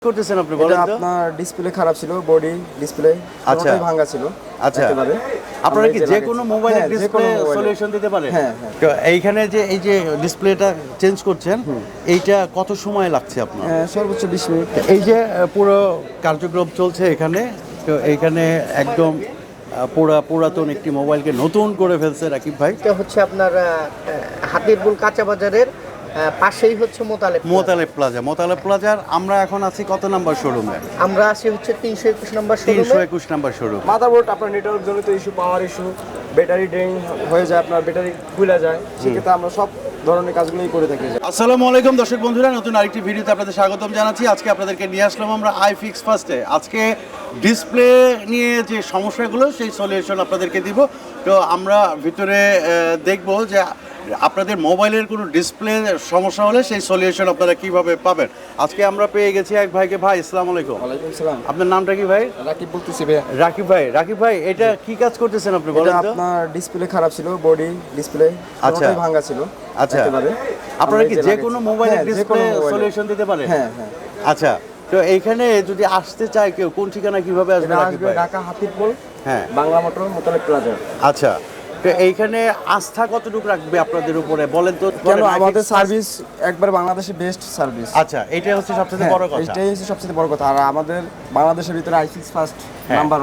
করতেছেন আপনি বলেন তো? আপনার ডিসপ্লে খারাপ ছিল, বডি ডিসপ্লে পুরোটাই ভাঙা ছিল। আচ্ছা, আপনারা কি যে কোনো মোবাইলের ডিসপ্লে সলিউশন দিতে পারেন? হ্যাঁ। তো এইখানে যে এই যে ডিসপ্লেটা চেঞ্জ করছেন, এইটা কত সময় লাগছে আপনার? সর্বোচ্চ 20 মিনিট। এই যে পুরো কার্যক্রম চলছে এখানে, তো এইখানে একদম পুরাতন একটি মোবাইলকে নতুন করে ফেলছে রাকিব ভাই। এটা হচ্ছে আপনার হাতিরপুল কাঁচা বাজারের পাশেই হচ্ছে মোতালেব প্লাজার আমরা এখন আছি কত নাম্বার শোরুমে? আমরা আছি হচ্ছে 321 নম্বর শোরুমে। 321 নাম্বার শোরুম। মাদারবোর্ড আপনার নেটওয়ার্ক জনিত issue, power issue, battery drain হয়ে যায়, আপনার ব্যাটারি খুলে যায়, সেক্ষেত্রে আমরা সব ধরনের কাজগুলোই করে থাকি। আসসালামু আলাইকুম দর্শক বন্ধুরা, নতুন আরেকটি ভিডিওতে আপনাদের স্বাগতম জানাচ্ছি। আজকে আপনাদেরকে নিয়ে আসলাম আমরা আইফিক্স ফার্স্টে। আজকে ডিসপ্লে নিয়ে যে সমস্যাগুলো সেই সলিউশন আপনাদেরকে দিব। তো আমরা ভিতরে দেখব যে আপনাদের মোবাইলের কোনো ডিসপ্লে সমস্যা হলে সেই সলিউশন আপনারা কিভাবে পাবেন। আজকে আমরা পেয়ে গেছি এক ভাইকে। ভাই আসসালামু আলাইকুম। ওয়ালাইকুম আসসালাম। আপনার নামটা কি ভাই? রাকিব বলতেছি ভাই। রাকিব ভাই এটা কি কাজ করতেছেন আপনি বলেন তো? আপনার ডিসপ্লে খারাপ ছিল, বডি ডিসপ্লে পুরোটাই ভাঙা ছিল। আচ্ছা, আপনারা কি যে কোনো মোবাইলের ডিসপ্লে সলিউশন দিতে পারেন? হ্যাঁ। আচ্ছা, তো এইখানে যদি আসতে চায় কেউ, কোন ঠিকানা কিভাবে আসবে? ঢাকা হাতিরপুল, হ্যাঁ, বাংলা মোটর, মোতালেব প্লাজা। আচ্ছা, তো এইখানে আস্থা কতটুকু রাখবে আপনাদের উপরে বলেন তো? কেন আমাদের সার্ভিস একবার বাংলাদেশে বেস্ট সার্ভিস। আচ্ছা, এটা হচ্ছে সবচেয়ে বড় কথা। এটাই হচ্ছে সবচেয়ে বড় কথা। আর আমাদের বাংলাদেশের ভিতরে আইফিক্স ফার্স্ট নাম্বার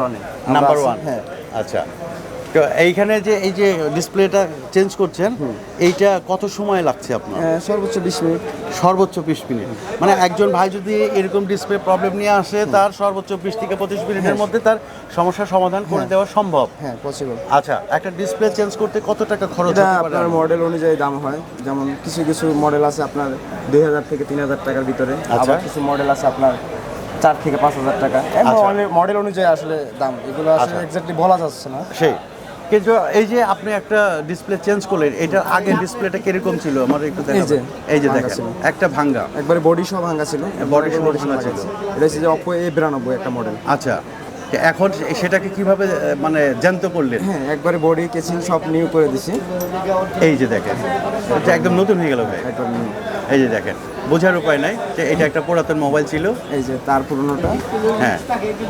1। হ্যাঁ, আচ্ছা, তো এইখানে যে এই যে ডিসপ্লেটা চেঞ্জ করছেন, এইটা কত সময় লাগছে আপনার? সর্বোচ্চ 20 মিনিট। সর্বোচ্চ 20 মিনিট। মানে একজন ভাই যদি এরকম ডিসপ্লে প্রবলেম নিয়ে আসে, তার সর্বোচ্চ 20 থেকে 25 মিনিটের মধ্যে তার সমস্যার সমাধান করে দেওয়া সম্ভব। হ্যাঁ, পসিবল। আচ্ছা, একটা ডিসপ্লে চেঞ্জ করতে কত টাকা খরচ এটা হতে পারে? আপনার মডেল অনুযায়ী দাম হয়। যেমন কিছু মডেল আছে আপনার 2000 থেকে 3000 টাকার ভিতরে, আবার কিছু মডেল আছে আপনার 4 থেকে 5000 টাকা। মডেল অনুযায়ী আসলে দাম, এগুলো আসলে এক্স্যাক্টলি বলা যাচ্ছে না। সেই কিন্তু এই যে আপনি একটা ডিসপ্লে চেঞ্জ করলেন, এটার আগে ডিসপ্লেটা কিরকম ছিল আমার একটু দেখাবেন। এই যে দেখেন, একটা ভাঙ্গা, একবারে বডি সহ ভাঙ্গা ছিল। বডি সহ ভাঙ্গা ছিল। এটা হচ্ছে যে Oppo A92 একটা মডেল। আচ্ছা, এখন সেটাকে কিভাবে মানে জ্যান্ত করলেন? হ্যাঁ, একবারে বডি কেসিং সব নিউ করে দিছি। এই যে দেখেন, এটা একদম নতুন হয়ে গেল ভাই। একবার নিউ। এই যে দেখেন, বোঝার উপায় নাই যে এটা একটা পুরাতন মোবাইল ছিল। এই যে তার পুরনোটা, হ্যাঁ,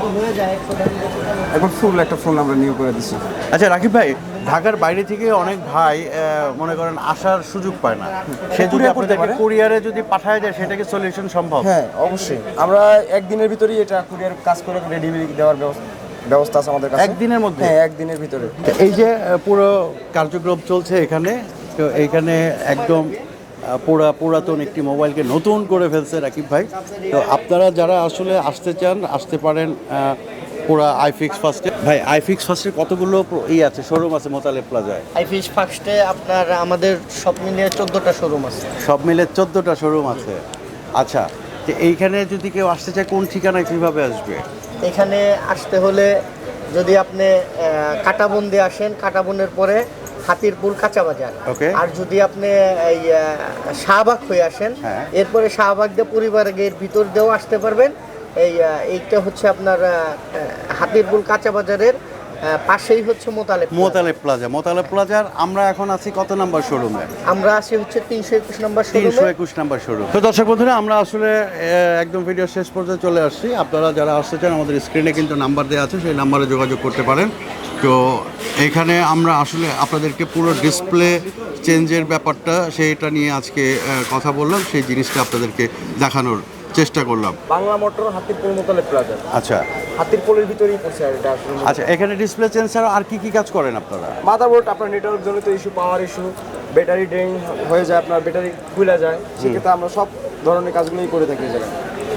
একবার ফুল একটা ফোন আমরা নিউ করে দিছি। আচ্ছা রাকিব ভাই, ঢাকার বাইরে থেকে অনেক ভাই মনে করেন আসার সুযোগ পায় না, সে যদি আপনাদেরকে কুরিয়ারে যদি পাঠায় যায়, সেটা কি সলিউশন সম্ভব? হ্যাঁ, অবশ্যই। আমরা একদিনের ভিতরেই এটা কুরিয়ার কাজ করে ডেলিভারি দেওয়ার ব্যবস্থা আছে আমাদের কাছে। একদিনের মধ্যে? হ্যাঁ, একদিনের ভিতরে। এই যে পুরো কার্যক্রম চলছে এখানে, তো এইখানে একদম পুরাতন একটি মোবাইলকে নতুন করে ফেলছে রাকিব ভাই। তো আপনারা যারা আসলে আসতে চান, আসতে পারেন পুরা আইফিক্স ফার্স্টে। ভাই, আইফিক্স ফার্স্টে কতগুলো আছে, শোরুম আছে মোতালেব প্লাজায়? আইফিক্স ফার্স্টে আপনার আমাদের সব মিলিয়ে 14টা শোরুম আছে। সব মিলে 14টা শোরুম আছে। আচ্ছা, তো এইখানে যদি কেউ আসতে চায়, কোন ঠিকানায় কিভাবে আসবে? এখানে আসতে হলে যদি আপনি কাটাবন দিয়ে আসেন, কাটাবনের পরে হাতিরপুল কাঁচা বাজার। আর যদি আপনি এই শাহবাগ হয়ে আসেন, এরপরে শাহবাগ দিয়ে পরিবারের গেট ভিতর দিয়েও আসতে পারবেন। এইটা হচ্ছে আপনার হাতিরপুল কাঁচা বাজারের পাশেই হচ্ছে মোতালেব প্লাজার আমরা এখন আছি কত নাম্বার শোরুমে? আমরা আছি হচ্ছে 321 নম্বর শোরুমে। 321 নাম্বার শোরুম। তো দর্শক বন্ধুরা, আমরা আসলে একদম ভিডিও শেষ পর্যন্ত চলে আসছি। আপনারা যারা আসতে চান, আমাদের স্ক্রিনে কিন্তু নাম্বার দেওয়া আছে, সেই নাম্বারে যোগাযোগ করতে পারেন। তো এখানে আমরা আসলে আপনাদেরকে পুরো ডিসপ্লে চেঞ্জের ব্যাপারটা সেইটা নিয়ে আজকে কথা বললাম, সেই জিনিসটা আপনাদেরকে দেখানোর চেষ্টা করলাম। Bangla motor, Hatirpool, Motaleb plaza. আচ্ছা, হাতিরপুলের ভিতরেই পড়ছে এটা। আচ্ছা, এখানে ডিসপ্লে চেঞ্জ ছাড়া আর কি কাজ করেন আপনারা? মাদারবোর্ড আপনার নেটওয়ার্ক জনিত issue, power issue, battery drain হয়ে যায়, আপনার ব্যাটারি খুলে যায়, সেক্ষেত্রে আমরা সব ধরনের কাজগুলোই করে থাকি।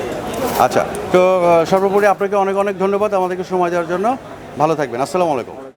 আচ্ছা, তো সর্বোপরি আপনাকে অনেক অনেক ধন্যবাদ আমাদেরকে সময় দেওয়ার জন্য। ভালো থাকবেন। আসসালামু আলাইকুম।